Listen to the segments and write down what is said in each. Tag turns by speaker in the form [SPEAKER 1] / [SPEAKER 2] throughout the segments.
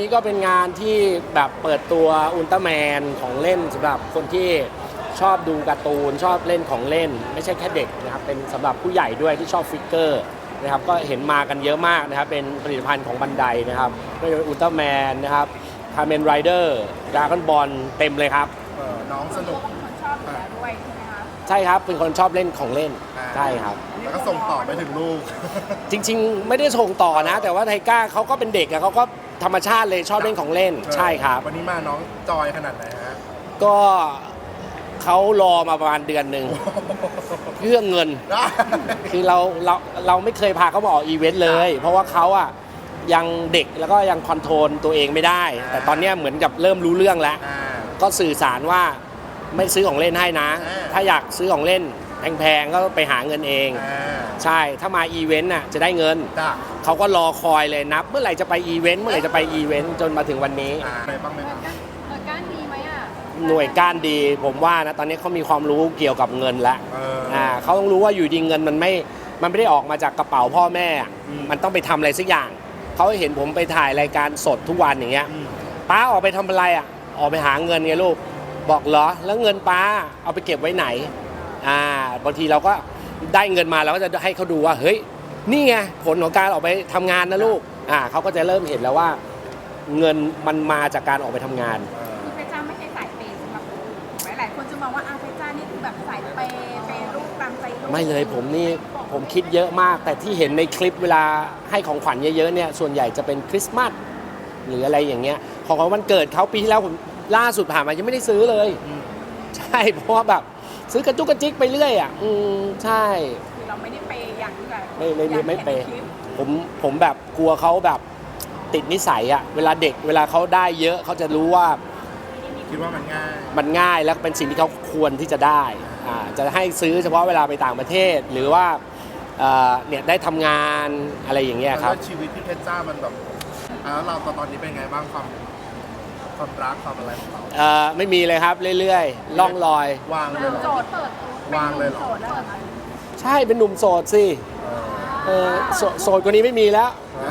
[SPEAKER 1] นี้ก็เป็นงานที่แบบเปิดตัวอุลตร้าแมนของเล่นสำหรับคนที่ชอบดูการ์ตูนชอบเล่นของเล่นไม่ใช่แค่เด็กนะครับเป็นสำหรับผู้ใหญ่ด้วยที่ชอบฟิกเกอร์นะครับก็เห็นมากันเยอะมากนะครับเป็นผลิตภัณฑ์ของบันไดนะครับไม่ว่าอุลตร้าแมนนะครับคาร์เมนไรเดอร์ดราก้อนบอลเต็มเลยครับ
[SPEAKER 2] น้องสนุก
[SPEAKER 3] เป็นคนชอบอยู่แล้วด้วยใช่ไหมคะ
[SPEAKER 1] ใช่ครับเป็นคนชอบเล่นของเล่นใช่ครับ
[SPEAKER 2] แล้วก็ส่งต่อไปถึงลูก
[SPEAKER 1] จริงๆไม่ได้ส่งต่อนะ แต่ว่าไทก้าเขาก็เป็นเด็กอะเขาก็ธรรมชาติเลยชอบเล่นของเล่นใช่ครับ
[SPEAKER 2] วันนี้มาน้องจอยขนาดไหนฮะ
[SPEAKER 1] ก็เขารอมาประมาณเดือนหนึ่งเพื่อเงิน คือเราไม่เคยพาเขามาออกอีเวนต์เลย เพราะว่าเขาอะยังเด็กแล้วก็ยังคอนโทรลตัวเองไม่ได้ แต่ตอนนี้เหมือนกับเริ่มรู้เรื่องแล้ว ก็สื่อสารว่าไม่ซื้อของเล่นให้นะ ถ้าอยากซื้อของเล่นแพงๆก็ไปหาเงินเอง ใช่ถ้ามาอีเวนต์น่ะจะได้เงิน เขาก็รอคอยเลยนับเมื่อไหร่จะไปอีเวนต์เมื่อไหร่จะไปอีเวนต์จนมาถึงวันนี้
[SPEAKER 2] อะไรบ้างไหมครับ
[SPEAKER 3] ก้านดีไหมอ่ะ
[SPEAKER 1] หน่วยก้านดีผมว่านะตอนนี้เขามีความรู้เกี่ยวกับเงินแล้วเขาต้องรู้ว่าอยู่ดีเงินมันไม่ได้ออกมาจากกระเป๋าพ่อแม่มันต้องไปทำอะไรสักอย่างเขาเห็นผมไปถ่ายรายการสดทุกวันอย่างเงี้ยป้าออกไปทำอะไรอ่ะออกไปหาเงินไงลูกบอกเหรอแล้วเงินป้าเอาไปเก็บไว้ไหนบางทีเราก็ได้เงินมาเราก็จะให้เขาดูว่าเฮ้ยนี่ไงผลของการออกไปทำงานนะลูกเขาก็จะเริ่มเห็นแล้วว่าเงินมันมาจากการออกไปทำงาน
[SPEAKER 3] คือเพชรจ้าไม่ใช่สายเปย์สำหรับหลายคนจะมองว่าเพชรจ้านี่คือแบบสายเปย์ลูกตามใจลูก
[SPEAKER 1] ไม่เลยผมคิดเยอะมากแต่ที่เห็นในคลิปเวลาให้ของขวัญเยอะๆเนี่ยส่วนใหญ่จะเป็นคริสต์มาสหรืออะไรอย่างเงี้ยของวันเกิดเขาปีที่แล้วผมล่าสุดผ่านมายังไม่ได้ซื้อเลยใช่เพราะว่าแบบซื้อกระจุกกระจิกไปเรื่อยใช่
[SPEAKER 3] คือเราไม่ได้เปย์อย่างที่แบบ
[SPEAKER 1] ไม่เปย์ผมแบบกลัวเขาแบบติดนิสัยอะเวลาเด็กเวลาเขาได้เยอะเขาจะรู้ว่า
[SPEAKER 2] คิดว่ามัน
[SPEAKER 1] ง่ายแล้วเป็นสิ่งที่เขาควรที่จะได้จะให้ซื้อเฉพาะเวลาไปต่างประเทศหรือว่าเนี่ยได้ทำงานอะไรอย่างเงี้ยครับ
[SPEAKER 2] ชีวิตพี่เพชรจ้ามันแบบแล้วเราตอนนี้เป็นไงบ้างความรักความอะไรของเรา
[SPEAKER 1] ไม่มีเลยครับเรื่อยๆล่องลอยว
[SPEAKER 2] างเลยเหรอ
[SPEAKER 3] โสดเปิด
[SPEAKER 2] วางเลยเหรอ
[SPEAKER 3] โสดแล้วเหรอคะ
[SPEAKER 1] ใช่เป็นหนุ่มโสดสิโสดกว่านี้ไม่มีแล้ว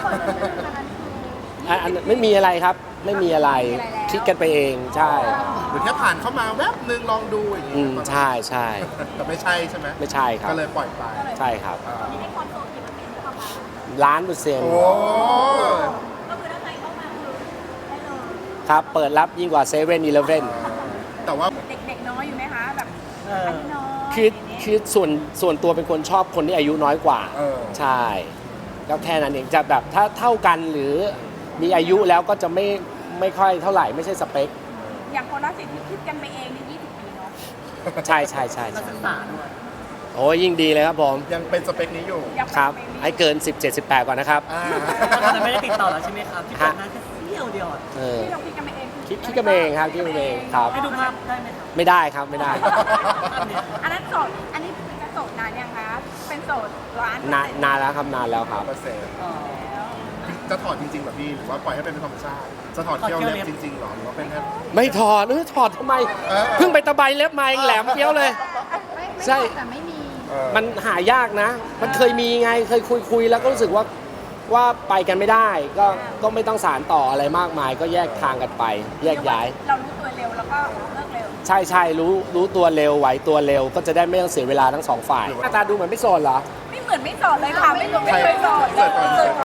[SPEAKER 1] อันไม่มีอะไรครับไม่มีอะไรคิดกันไปเองใช่
[SPEAKER 2] หรือแค่ผ่านเข้ามาแวบนึงลองดูอย่างนี้
[SPEAKER 1] ใช่ใช่
[SPEAKER 2] แต่ไม่ใช่ใช่ไหม
[SPEAKER 1] ไม่ใช่ครับ
[SPEAKER 2] ก็เลยปล่อยไป
[SPEAKER 1] ใช่ครับ
[SPEAKER 3] ให้ความโสดกี่เปอร์เซ็นต์เข้ามา
[SPEAKER 1] 1,000,000%
[SPEAKER 2] โอ้
[SPEAKER 3] ก็คือถ้าใครเข้ามาคือได้เลย
[SPEAKER 1] ครับเปิดรับยิ่งกว่า7-Eleven
[SPEAKER 2] แต่ว่า
[SPEAKER 3] เด็กๆน้อยอยู่ไหมคะแบบอายุน้อย
[SPEAKER 1] คือส่วนตัวเป็นคนชอบคนที่อายุน้อยกว่าใช่ก็แค่นั้นเองจะแบบถ้าเท่ากันหรือมีอายุแล้วก็จะไม่ค่อยเท่าไหร่ไม่ใช่สเปค
[SPEAKER 3] อย่างคนละสิทธิ์ที่คิดกันไปเองใน20 ปีเนาะ
[SPEAKER 1] ใช่โอ้ยิ่งดีเลยครับผม
[SPEAKER 2] ยังเป็นสเปคนี้อยู่
[SPEAKER 1] ครับให้เกิน17-18ก่อนนะครับ
[SPEAKER 4] ตอนนั้นไม่ได้ติดต่อแล้วใช่ไหมครับที่เปิดหน้าแค่เสี้ยวเดียว
[SPEAKER 3] ที่เราคิดกันไปเอง
[SPEAKER 1] คิดกันเองครับคิดกันเองครับ
[SPEAKER 4] ให้ดูภาพได้ไหมครับ
[SPEAKER 1] ไม่ได้ครับไม่ได้
[SPEAKER 3] อันนั้นโสดอันนี้เป็นโสดนานยังคะเป็นโสด
[SPEAKER 1] นานแล้วครับนานแล้วครับ
[SPEAKER 2] จะถอดจริงๆแบบพี่หรือว่าปล่อยให้เป็นธรรมชาติจะถอดเที่ยวเล็บจริงๆหรอหรือว่าเป็นแค่
[SPEAKER 1] ไม่ถอดทำไมเพิ่งไปตะไบเล็บมาเองแหลมเปี้ยวเลยใช่
[SPEAKER 3] แต่ไม่มี
[SPEAKER 1] มันหายากนะมันเคยมีไงเคยคุยแล้วก็รู้สึกว่าไปกันไม่ได้ก็ไม่ต้องสารต่ออะไรมากมายก็แยกทางกันไปแยกย้าย
[SPEAKER 3] เรารู้ตัวเร็วแล้วก็เลิกเร็ว
[SPEAKER 1] ใช่รู้ตัวเร็วไหวตัวเร็วก็จะได้ไม่ต้องเสียเวลาทั้งสองฝ่ายหน้าตาดูเหมือนไม่โสดเหรอ
[SPEAKER 3] ไม่เหมือนไม่โสดเลยค่ะไม่เคยโสด